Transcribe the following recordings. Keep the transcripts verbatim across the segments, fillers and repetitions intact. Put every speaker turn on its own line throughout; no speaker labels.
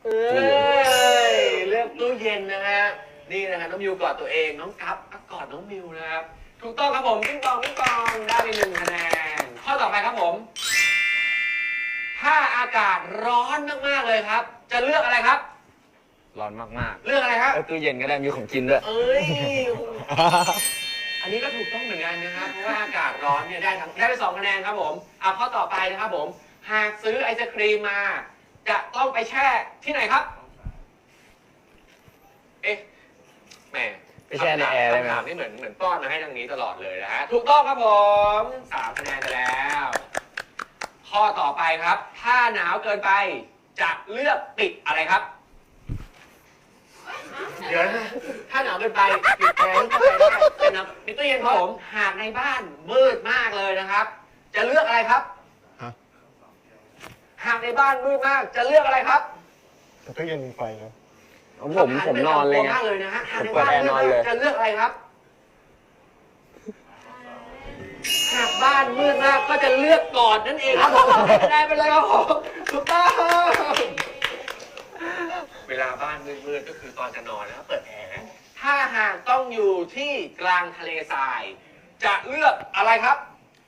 เอ้ยเลือกตู้เย็นนะฮะนี่นะฮะน้องมิวกอดตัวเองน้องกัฟก็กอดน้องมิวนะครับถูกต้องครับผมปิ้งปองปิ้งปองได้ไปหนึ่งคะแนนข้อต่อไปครับผมถ้าอากาศร้อนมากๆเลยครับ จะเลือกอะไรครับ
ร้อนมาก
ๆเลือกอะไรครับ
ตู้เย็นก็ได้มีของกินด้วย
เอ้ยอันนี้ก็ถูกต้องเหมือนกันนะครับเพราะว่าอากาศร้อนเนี่ยได้ทั้งได้ไปสองคะแนนครับผมเอาข้อต่อไปนะครับผมหากซื้อไอศครีมมาจะต้องไปแช่ที่ไหนครับเอ๊ะแหม
ไปแช่ในแอร์ได้ไหม
ครับนี่เหมือนเหมือนป้อนมาให้ทางนี้ตลอดเลยนะฮะถูกต้องครับผมสามคะแนนไปแล้วข้อต่อไปครับถ้าหนาวเกินไปจะเลือกปิดอะไรครับเดี๋ยวนะถ้าหนาวเกินไปปิดแอร์เข้าใจได้เป็นนะปิดตู้เย็นครับผมหากในบ้านมืดมากเลยนะครับ จะเลือกอะไรครับหากในบ้านมืดมากจะเลือกอะไรครับ
ตู้เย็นมีไฟนะ
ผมผมนอนเลยไง
ผมเปิดแอร์นอนเลยจะเลือกอะไรครับหากบ้านมืดมากก็จะเลือกกอดนั่นเองครับผมได้ไปเลยครับผมถูกต้องเวลาบ้านมืดๆก็คือตอนจะนอนนะครับเปิดแอร์ถ้าหากต้องอยู่ที่กลางทะเลทรายจะเลือกอะไรครับ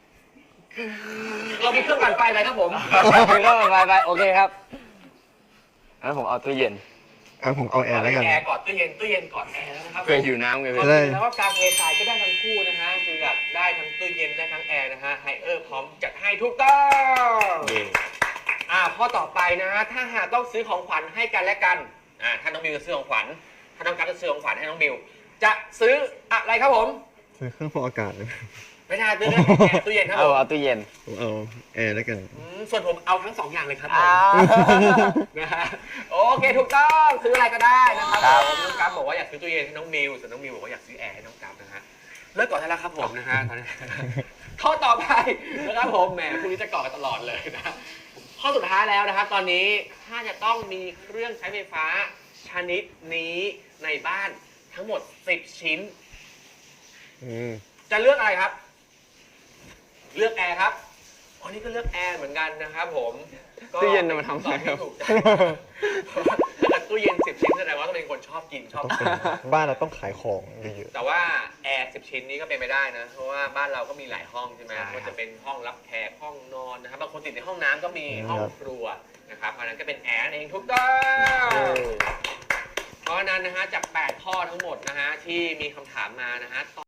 เรามีเครื่องปั่นไฟไหมครับผม
มีเครื่องปั่นไฟไปโอเคครับงั้นผมเอาตู้เย็น
อ่ะผมเอาแอร์แล้วกัน
แอร์กอดตู้เย็นตู้เย็นกอดแอร์แล้วนะครับ
เคยหิวน้ำไง
พี่แล้วก็กลางทะเลทรายก็ได้ทั้งคู่นะฮะคือแบบได้ทั้งตู้เย็นได้ทั้งแอร์นะฮะไฮเออร์พร้อมจัดให้ถูกต้องอ่าข้อต่อไปนะฮะถ้าหากต้องซื้อของขวัญให้กันและกันอ่าถ้าน้องมิวจะซื้อของขวัญถ้าน้องกัฟจะซื้อของขวัญให้น้องมิวจะซื้ออะไรครับผม
ซื้อเครื่องฟอกอากาศเลย
ไม่ใช่ซื้อเครื่องแอร์ตู้เย็นครับ
เอาเอาตู้เย็น
ผมเอาแอร์แล้วกัน
ส่วนผมเอาทั้งสองอย่างเลยครับผมนะฮะโอเคถูกต้องซื้ออะไรก็ได้นะครับน้องกัฟบอกว่าอยากซื้อตู้เย็นให้น้องมิวส่วนน้องมิวบอกว่าอยากซื้อแอร์ให้น้องกัฟนะฮะเลิกก่อนได้แล้วครับผมนะฮะตอนนี้ข้อต่อไปนะครับผมแหมพรุ่งนี้จะก่อกันตลอดเลยนะข้อสุดท้ายแล้วนะครับตอนนี้ถ้าจะต้องมีเครื่องใช้ไฟฟ้าชนิดนี้ในบ้านทั้งหมดสิบชิ้นจะเลือกอะไรครับเลือกแอร์ครับอันนี้ก็เลือกแอร์เหมือนกันนะครับผม
ตู้เย็นมาทำอะไรครับ
ถ้าเกิดตู้เย็นสิบชิ้นแสดงว่าต้องเป็นคนชอบกินชอบ
บ้านเราต้องขายของเยอะ
แต่ว่าแอร์สิบชิ้นนี้ก็เป็นไม่ได้นะเพราะว่าบ้านเราก็มีหลายห้องใช่ไหมก็จะเป็นห้องรับแขกห้องนอนนะครับบางคนติดในห้องน้ำก็มีห้องครัวนะครับเพราะนั้นก็เป็นแอร์เองทุกต้องเพราะนั้นนะฮะจากแปดข้อทั้งหมดนะฮะที่มีคำถามมานะฮะ